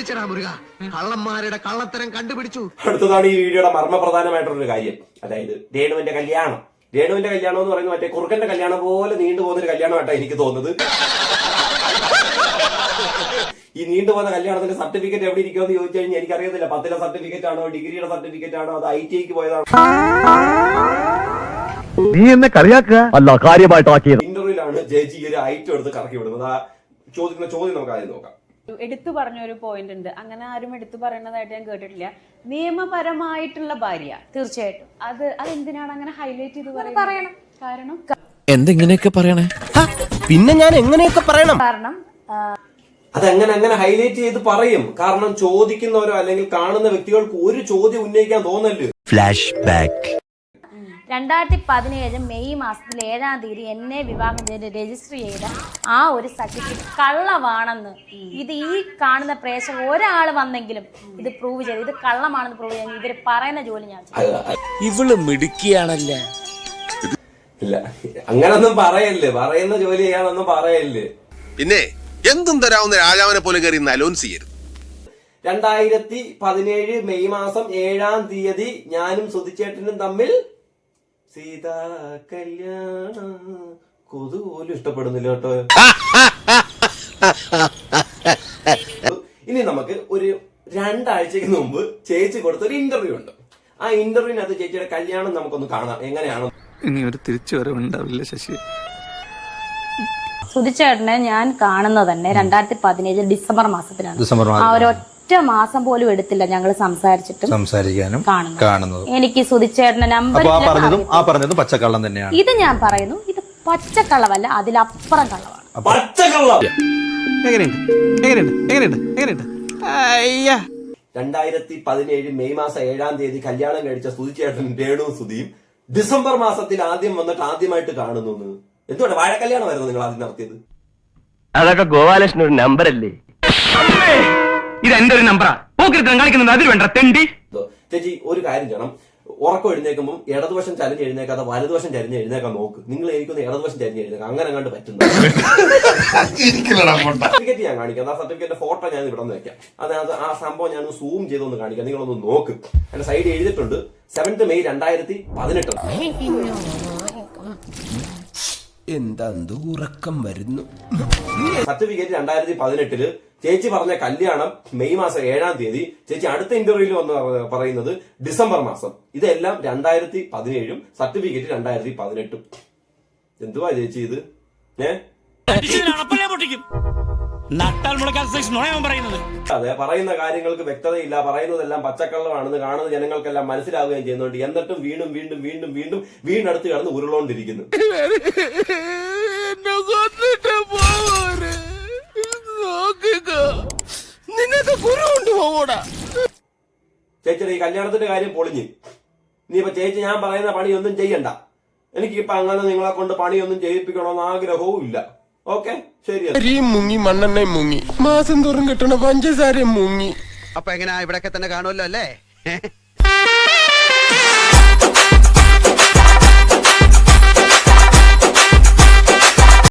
പിടിച്ചടാ മുരുക, കള്ളന്മാരുടെ കള്ളത്തരം കണ്ടുപിടിച്ചു. അടുത്തതാണ് ഈ വീഡിയോയുടെ മർമ്മപ്രധാനമായിട്ടുള്ളൊരു കാര്യം. അതായത് രേണുവിന്റെ കല്യാണം എന്ന് പറയുന്നത് മറ്റേ കുറുക്കന്റെ കല്യാണം പോലെ നീണ്ടുപോകുന്നൊരു കല്യാണമായിട്ടാണ് എനിക്ക് തോന്നുന്നത്. ഈ നീണ്ടുപോകുന്ന കല്യാണത്തിന്റെ സർട്ടിഫിക്കറ്റ് എവിടെ ഇരിക്കുമെന്ന് ചോദിച്ചു കഴിഞ്ഞാൽ എനിക്കറിയത്തില്ല. 10ലെ സർട്ടിഫിക്കറ്റ് ആണോ, ഡിഗ്രിയുടെ സർട്ടിഫിക്കറ്റ് ആണോ, അത് ITIക്ക് പോയതാണോ? നീ എന്നെ കളിയാക്കുക അല്ല, കാര്യമായിട്ടാക്കിയത്. ഇന്റർവ്യൂലാണ് ജയിച്ച് ഈ ഒരു ഐറ്റം എടുത്ത് കറക്കി വിടുന്നത്. ആ ചോദിക്കുന്ന ചോദ്യം നമുക്ക് ആദ്യം നോക്കാം. എടുത്തു പറഞ്ഞ ഒരു പോയിന്റ് ഉണ്ട്, അങ്ങനെ ആരും എടുത്തു പറയുന്നതായിട്ട് ഞാൻ കേട്ടിട്ടില്ല. നിയമപരമായിട്ടുള്ള ഭാര്യ, തീർച്ചയായിട്ടും അതെന്തിനാണ് അങ്ങനെ ഹൈലൈറ്റ് ചെയ്ത് പറയണം? കാരണം എന്തെങ്ങനെയൊക്കെ പറയണേ, പിന്നെ ഞാൻ എങ്ങനെയൊക്കെ പറയണം? കാരണം അതെങ്ങനെ ഹൈലൈറ്റ് ചെയ്ത് പറയും? കാരണം ചോദിക്കുന്നവരോ അല്ലെങ്കിൽ കാണുന്ന വ്യക്തികൾക്ക് ഒരു ചോദ്യം ഉന്നയിക്കാൻ തോന്നല്ലോ. Flash back. 2017 മെയ് മാസത്തിൽ 7-ാം തീയതി എന്നെ വിവാഹം ചെയ്ത് രജിസ്റ്റർ ചെയ്ത ആ ഒരു സർട്ടിഫിക്കറ്റ് കള്ളമാണെന്ന് ഇത് ഈ കാണുന്ന പ്രേക്ഷകർ ഒരാൾ വന്നെങ്കിലും ഇത് പ്രൂവ് ചെയ്ത് ഇത് കള്ളമാണെന്ന് പ്രൂവ് ചെയ്യാൻ ഇവര് പറയുന്ന ജോലി ഞാൻ ഇവള് മിടുക്കിയാണല്ലേ. ഇല്ല, അങ്ങനൊന്നും പറയല്ലേ, പറയുന്ന ജോലി ചെയ്യാനൊന്നും പറയല്ലേ. പിന്നെ എന്തും തരാവുന്ന രാജാവിനെ പോലെ കയറി അലോൻസ് ചെയ്യരുത്. 2017 മെയ് മാസം 7-ാം തീയതി ഞാനും സുധിച്ചേട്ടനും തമ്മിൽ സീതാ കല്യാണ കൊതു പോലും ഇഷ്ടപ്പെടുന്നില്ല കേട്ടോ. ഇനി നമുക്ക് ഒരു 2 ആഴ്ചക്ക് മുമ്പ് ചേച്ചി കൊടുത്ത ഒരു ഇന്റർവ്യൂ ഉണ്ട്. ആ ഇന്റർവ്യൂവിനകത്ത് ചേച്ചിയുടെ കല്യാണം നമുക്കൊന്ന് കാണാം എങ്ങനെയാണ്. ഇനി ഒരു തിരിച്ചുവരവുണ്ടാവില്ല ശശി. സുധിച്ചേട്ടനെ ഞാൻ കാണുന്നത് തന്നെ 2017 ഡിസംബർ മാസത്തിലാണ്. ആ ഒരൊറ്റ മാസം പോലും എടുത്തില്ല ഞങ്ങൾ സംസാരിക്കാനും കാണുന്നത്. എനിക്ക് സുധിച്ചേട്ടന്റെ നമ്പർ പറഞ്ഞതും പച്ചക്കള്ളം തന്നെയാണ്. ഇത് ഞാൻ പറയുന്നു, ഇത് പച്ചക്കള്ളവല്ല, അതിലപ്പുറം കള്ളമാണ്. പച്ചക്കള്ളം. 2017 മെയ് മാസം 7-ാം തീയതി കല്യാണം കഴിച്ച സുധിച്ചേട്ടൻ രേണു സുധിയും ഡിസംബർ മാസത്തിൽ ആദ്യം വന്നിട്ട് ആദ്യമായിട്ട് കാണുന്നു. എന്തുകൊണ്ട് വാഴക്കല്യാണമായിരുന്നു നിങ്ങൾ ആദ്യം നടത്തിയത്? അതൊക്കെ ഗോപാലകൃഷ്ണൻ ഒരു നമ്പർ അല്ലേ? ഇത് എന്റെ ഒരു നമ്പറാ. കാണിക്കുന്നത് അതിൽ വേണ്ട തെണ്ടി. ചേച്ചി ഒരു കാര്യം ചെയ്യണം, ഉറക്കം എഴുന്നേക്കുമ്പോൾ ഇടതുവശം ചരിഞ്ഞ് എഴുന്നേക്കാതെ വലതുവശം ചരിഞ്ഞ് എഴുന്നേക്കാൻ നോക്ക്. നിങ്ങൾ എനിക്കൊന്ന് ഇടതുവശം ചരിഞ്ഞ് എഴുന്നേക്കാം, അങ്ങനെ കണ്ട് പറ്റുന്നു. സർട്ടിഫിക്കറ്റ് ഞാൻ കാണിക്കാം. ആ സർട്ടിഫിക്കറ്റിന്റെ ഫോട്ടോ ഞാൻ ഇവിടെ നിന്ന് വെക്കാം. അത് ആ സംഭവം ഞാൻ സൂം ചെയ്തൊന്ന് കാണിക്കാം, നിങ്ങളൊന്ന് നോക്ക്. എന്റെ സൈഡ് എഴുതിയിട്ടുണ്ട് 7th മെയ് 2018. എന്താ ഉറക്കം വരുന്നു. സർട്ടിഫിക്കറ്റ് 2018. ചേച്ചി പറഞ്ഞ കല്യാണം മെയ് മാസം 7-ാം തീയതി. ചേച്ചി അടുത്ത ഇന്റർവ്യൂവിൽ വന്ന് പറയുന്നത് ഡിസംബർ മാസം. ഇതെല്ലാം 2017, സർട്ടിഫിക്കറ്റ് 2018. എന്തുവാ ചേച്ചി ഇത്? അതെ, പറയുന്ന കാര്യങ്ങൾക്ക് വ്യക്തതയില്ല, പറയുന്നതെല്ലാം പച്ചക്കള്ളമാണെന്ന് കാണുന്ന ജനങ്ങൾക്കെല്ലാം മനസ്സിലാവുകയും ചെയ്യുന്നുണ്ട്. എന്നിട്ടും വീണ്ടും വീണ്ടടുത്ത് കിടന്ന് ഉരുളോണ്ടിരിക്കുന്നു. ചേച്ചിയുടെ ഈ കല്യാണത്തിന്റെ കാര്യം പൊളിഞ്ഞ്. ഇനിയിപ്പോ ചേച്ചി ഞാൻ പറയുന്ന പണിയൊന്നും ചെയ്യണ്ട. എനിക്കിപ്പോ അങ്ങനെ നിങ്ങളെ കൊണ്ട് പണിയൊന്നും ചെയ്യിപ്പിക്കണമെന്ന് ആഗ്രഹവും ഇല്ല. ഓക്കെ, ശരി. മുങ്ങി മണ്ണെണ്ണ മുങ്ങി മാസം തോറും കിട്ടണ പഞ്ചസാര മുങ്ങി. അപ്പൊ എങ്ങനെയാ, ഇവിടെയൊക്കെ തന്നെ കാണുമല്ലോ അല്ലേ?